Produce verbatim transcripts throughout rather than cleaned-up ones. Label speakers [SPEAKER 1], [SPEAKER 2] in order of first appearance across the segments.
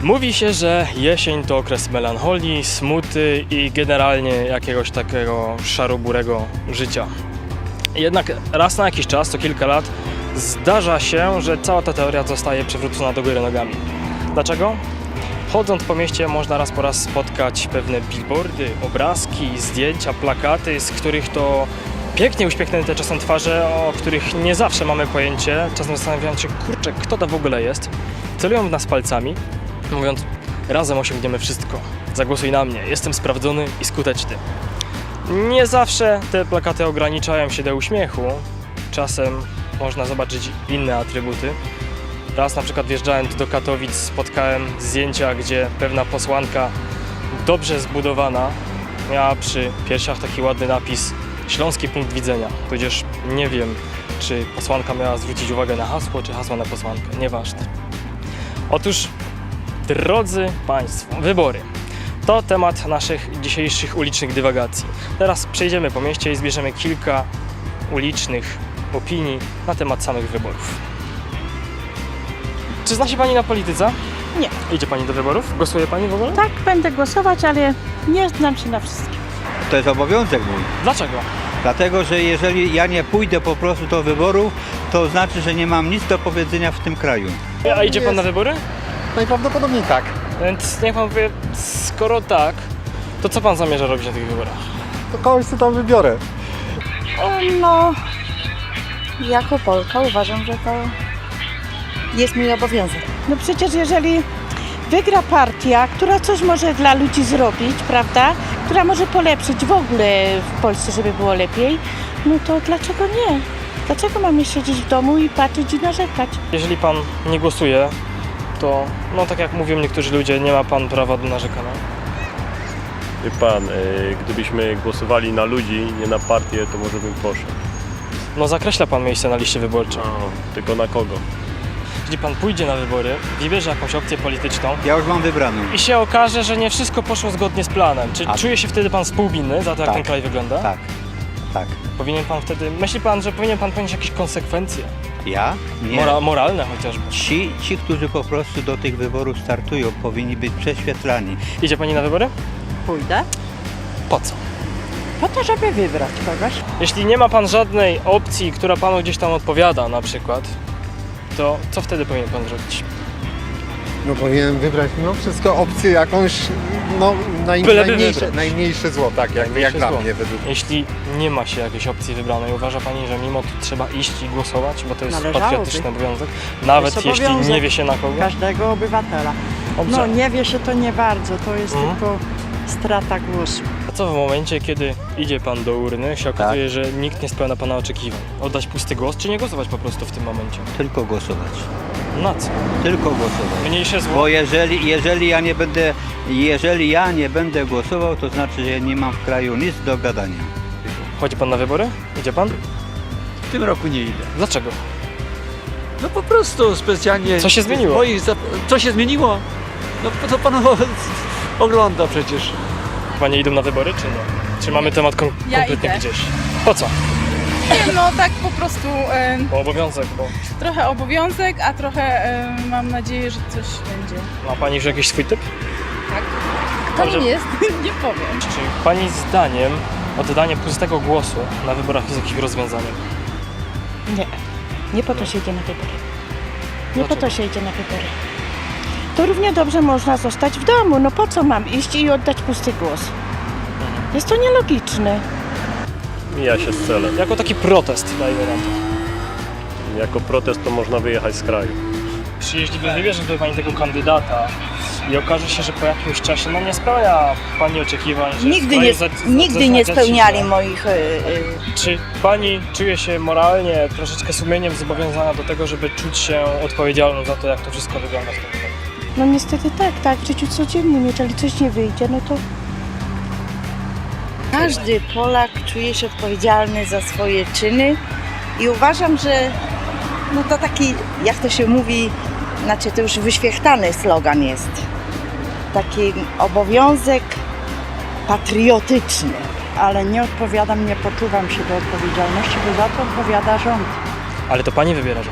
[SPEAKER 1] Mówi się, że jesień to okres melancholii, smuty i generalnie jakiegoś takiego szaroburego życia. Jednak raz na jakiś czas, co kilka lat, zdarza się, że cała ta teoria zostaje przewrócona do góry nogami. Dlaczego? Chodząc po mieście można raz po raz spotkać pewne billboardy, obrazki, zdjęcia, plakaty, z których to pięknie uśmiechnięte czasem twarze, o których nie zawsze mamy pojęcie, czasem zastanawiając się, kurczę, kto to w ogóle jest, celują w nas palcami, mówiąc, razem osiągniemy wszystko, zagłosuj na mnie, jestem sprawdzony i skuteczny. Nie zawsze te plakaty ograniczają się do uśmiechu, czasem można zobaczyć inne atrybuty. Raz na przykład wjeżdżając do Katowic spotkałem zdjęcia, gdzie pewna posłanka dobrze zbudowana miała przy piersiach taki ładny napis Śląski punkt widzenia, tudzież nie wiem, czy posłanka miała zwrócić uwagę na hasło, czy hasło na posłankę, nieważne. Otóż, drodzy Państwo, wybory to temat naszych dzisiejszych ulicznych dywagacji. Teraz przejdziemy po mieście i zbierzemy kilka ulicznych opinii na temat samych wyborów. Czy zna się Pani na polityce?
[SPEAKER 2] Nie.
[SPEAKER 1] Idzie Pani do wyborów? Głosuje Pani w ogóle?
[SPEAKER 2] Tak, będę głosować, ale nie znam się na wszystkim.
[SPEAKER 3] To jest obowiązek mój.
[SPEAKER 1] Dlaczego?
[SPEAKER 3] Dlatego, że jeżeli ja nie pójdę po prostu do wyborów, to znaczy, że nie mam nic do powiedzenia w tym kraju.
[SPEAKER 1] A idzie Pan na wybory?
[SPEAKER 4] Najprawdopodobniej tak.
[SPEAKER 1] Więc niech Pan powie, skoro tak, to co Pan zamierza robić na tych wyborach?
[SPEAKER 4] To kogoś sobie tam wybiorę.
[SPEAKER 2] No, jako Polka uważam, że to jest mój obowiązek. No przecież jeżeli wygra partia, która coś może dla ludzi zrobić, prawda, która może polepszyć w ogóle w Polsce, żeby było lepiej, no to dlaczego nie? Dlaczego mamy siedzieć w domu i patrzeć i narzekać?
[SPEAKER 1] Jeżeli Pan nie głosuje, to, no tak jak mówią niektórzy ludzie, nie ma Pan prawa do narzekania.
[SPEAKER 5] Wie pan, y, gdybyśmy głosowali na ludzi, nie na partię, to może bym poszedł.
[SPEAKER 1] No zakreśla Pan miejsce na liście wyborczej.
[SPEAKER 5] O, tylko na kogo?
[SPEAKER 1] Jeżeli Pan pójdzie na wybory, wybierze jakąś opcję polityczną
[SPEAKER 3] Ja już mam wybraną.
[SPEAKER 1] i się okaże, że nie wszystko poszło zgodnie z planem, czy
[SPEAKER 3] A-
[SPEAKER 1] czuje się wtedy Pan współwinny za to, jak
[SPEAKER 3] Tak.
[SPEAKER 1] ten kraj wygląda?
[SPEAKER 3] Tak, tak.
[SPEAKER 1] Powinien Pan wtedy, myśli Pan, że powinien Pan ponieść jakieś konsekwencje?
[SPEAKER 3] Ja? Nie.
[SPEAKER 1] Mora, moralne chociażby.
[SPEAKER 3] Ci, ci, którzy po prostu do tych wyborów startują, powinni być prześwietlani.
[SPEAKER 1] Idzie Pani na wybory?
[SPEAKER 2] Pójdę.
[SPEAKER 1] Po co?
[SPEAKER 2] Po to, żeby wybrać kogoś.
[SPEAKER 1] Jeśli nie ma Pan żadnej opcji, która Panu gdzieś tam odpowiada na przykład, to co wtedy powinien Pan zrobić?
[SPEAKER 4] No powinienem wybrać mimo wszystko opcję jakąś, no naj,
[SPEAKER 1] Byleby
[SPEAKER 4] najmniejsze,
[SPEAKER 1] wybrać.
[SPEAKER 4] najmniejsze zło, tak, jak, jak
[SPEAKER 1] Najmniejsze
[SPEAKER 4] dla
[SPEAKER 1] zło.
[SPEAKER 4] mnie według.
[SPEAKER 1] Jeśli nie ma się jakiejś opcji wybranej, uważa Pani, że mimo to trzeba iść i głosować, bo to jest
[SPEAKER 6] Należałoby.
[SPEAKER 1] patriotyczny obowiązek, nawet
[SPEAKER 6] jest
[SPEAKER 1] jeśli
[SPEAKER 6] obowiązek
[SPEAKER 1] nie wie się na kogo?
[SPEAKER 6] każdego obywatela.
[SPEAKER 1] Dobrze.
[SPEAKER 6] No nie wie się to nie bardzo, to jest
[SPEAKER 1] Mhm.
[SPEAKER 6] tylko strata głosu.
[SPEAKER 1] A co w momencie, kiedy idzie Pan do urny, się okazuje, że nikt nie spełnia Pana oczekiwań? Oddać pusty głos, czy nie głosować po prostu w tym momencie?
[SPEAKER 3] Tylko głosować.
[SPEAKER 1] Na co?
[SPEAKER 3] Tylko głosować.
[SPEAKER 1] Mniejsze zło?
[SPEAKER 3] Bo jeżeli, jeżeli ja nie będę, jeżeli ja nie będę głosował, to znaczy, że ja nie mam w kraju nic do gadania.
[SPEAKER 1] Chodzi Pan na wybory? Idzie Pan?
[SPEAKER 7] W tym roku nie idę.
[SPEAKER 1] Dlaczego?
[SPEAKER 7] No po prostu specjalnie...
[SPEAKER 1] Co się zmieniło?
[SPEAKER 7] Moich zap... Co się zmieniło? No to pan o- ogląda przecież.
[SPEAKER 1] Panie idą na wybory, czy nie? Czy mamy temat kom-
[SPEAKER 8] Ja
[SPEAKER 1] kompletnie
[SPEAKER 8] idę.
[SPEAKER 1] gdzieś? Po co?
[SPEAKER 8] Nie, no tak po prostu e,
[SPEAKER 1] Bo obowiązek, bo
[SPEAKER 8] trochę obowiązek, a trochę e, mam nadzieję, że coś będzie.
[SPEAKER 1] ma Pani już jakiś swój typ?
[SPEAKER 8] Tak. Kto
[SPEAKER 1] Dobrze.
[SPEAKER 8] nim jest? Nie powiem.
[SPEAKER 1] Czy Pani zdaniem oddanie pustego głosu na wyborach jest jakimś rozwiązaniem?
[SPEAKER 2] Nie. Nie po to się idzie na wybory. Nie po
[SPEAKER 1] Dlaczego?
[SPEAKER 2] to się idzie na wybory. To równie dobrze można zostać w domu. No po co mam iść i oddać pusty głos? Jest to nielogiczne.
[SPEAKER 5] Mija się z celem.
[SPEAKER 1] Jako taki protest, dajmy na to.
[SPEAKER 5] Jako protest to można wyjechać z kraju.
[SPEAKER 1] Czy jeśli wybierze sobie Pani tego kandydata i okaże się, że po jakimś czasie no nie spełnia Pani oczekiwań, że
[SPEAKER 9] Nigdy
[SPEAKER 1] w kraju
[SPEAKER 9] nie,
[SPEAKER 1] za- za-
[SPEAKER 9] nigdy nie
[SPEAKER 1] zaczyna dziać
[SPEAKER 9] spełniali
[SPEAKER 1] źle,
[SPEAKER 9] moich... y, y,
[SPEAKER 1] Czy Pani czuje się moralnie, troszeczkę sumieniem zobowiązana do tego, żeby czuć się odpowiedzialną za to, jak to wszystko wygląda w tym kraju?
[SPEAKER 2] No niestety tak, tak. W życiu codziennym, jeżeli coś nie wyjdzie, no to
[SPEAKER 9] Każdy Polak czuje się odpowiedzialny za swoje czyny i uważam, że no to taki, jak to się mówi, znaczy to już wyświechtany slogan jest. Taki obowiązek patriotyczny.
[SPEAKER 6] Ale nie odpowiadam, nie poczuwam się do odpowiedzialności, bo za to odpowiada rząd.
[SPEAKER 1] Ale to Pani wybiera rząd.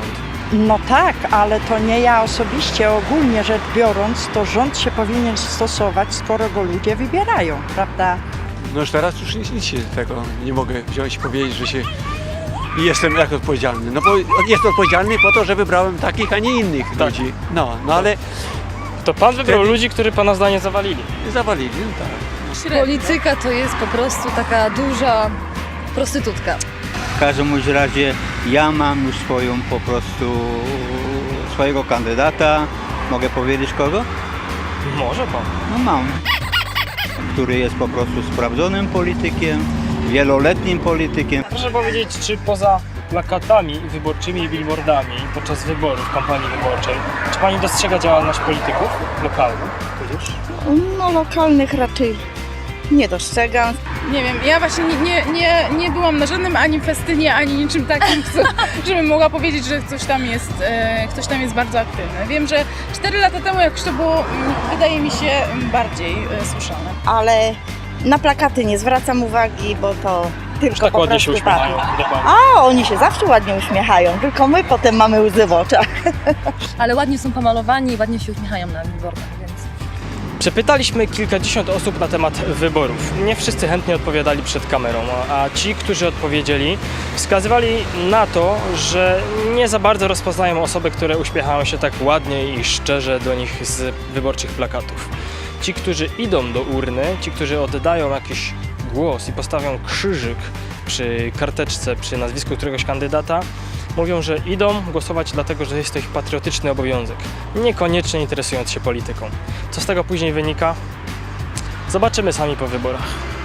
[SPEAKER 6] No tak, ale to nie ja osobiście, ogólnie rzecz biorąc, to rząd się powinien stosować, skoro go ludzie wybierają, prawda?
[SPEAKER 7] No już teraz już nic, nic się tego nie mogę wziąć i powiedzieć, że się jestem jak odpowiedzialny. No bo jestem odpowiedzialny po to, że wybrałem takich, a nie innych
[SPEAKER 1] Tak.
[SPEAKER 7] ludzi. No, no ale
[SPEAKER 1] To pan wybrał
[SPEAKER 7] Wtedy-
[SPEAKER 1] ludzi, którzy pana zdanie zawalili.
[SPEAKER 7] zawalili, no tak.
[SPEAKER 10] Polityka to jest po prostu taka duża prostytutka.
[SPEAKER 3] W każdym bądź razie ja mam już swoją po prostu swojego kandydata. Mogę powiedzieć kogo?
[SPEAKER 1] Może pan.
[SPEAKER 3] No mam. Który jest po prostu sprawdzonym politykiem, wieloletnim politykiem.
[SPEAKER 1] Proszę powiedzieć, czy poza plakatami wyborczymi i billboardami podczas wyborów, kampanii wyborczej, czy pani dostrzega działalność polityków lokalnych? Tudzież?
[SPEAKER 9] No lokalnych raczej nie dostrzegam.
[SPEAKER 8] Nie wiem, ja właśnie nie, nie, nie, nie byłam na żadnym ani festynie, ani niczym takim, co, żebym mogła powiedzieć, że ktoś tam jest, e, ktoś tam jest bardzo aktywny. Wiem, że cztery lata temu jakoś to było, mm, wydaje mi się, mm, bardziej e, słyszane.
[SPEAKER 9] Ale na plakaty nie zwracam uwagi, bo to tylko
[SPEAKER 1] Tak
[SPEAKER 9] po
[SPEAKER 1] ładnie się
[SPEAKER 9] prostu
[SPEAKER 1] uśmiechają.
[SPEAKER 9] tak.
[SPEAKER 1] Dokładnie.
[SPEAKER 9] A oni się zawsze ładnie uśmiechają, tylko my potem mamy łzy w oczach.
[SPEAKER 10] Ale ładnie są pomalowani i ładnie się uśmiechają na billboardach, więc...
[SPEAKER 1] Przepytaliśmy kilkadziesiąt osób na temat wyborów. Nie wszyscy chętnie odpowiadali przed kamerą, a a ci, którzy odpowiedzieli, wskazywali na to, że nie za bardzo rozpoznają osoby, które uśmiechają się tak ładnie i szczerze do nich z wyborczych plakatów. Ci, którzy idą do urny, ci, którzy oddają jakiś głos i postawią krzyżyk przy karteczce, przy nazwisku któregoś kandydata, mówią, że idą głosować dlatego, że jest to ich patriotyczny obowiązek, niekoniecznie interesując się polityką. Co z tego później wynika? Zobaczymy sami po wyborach.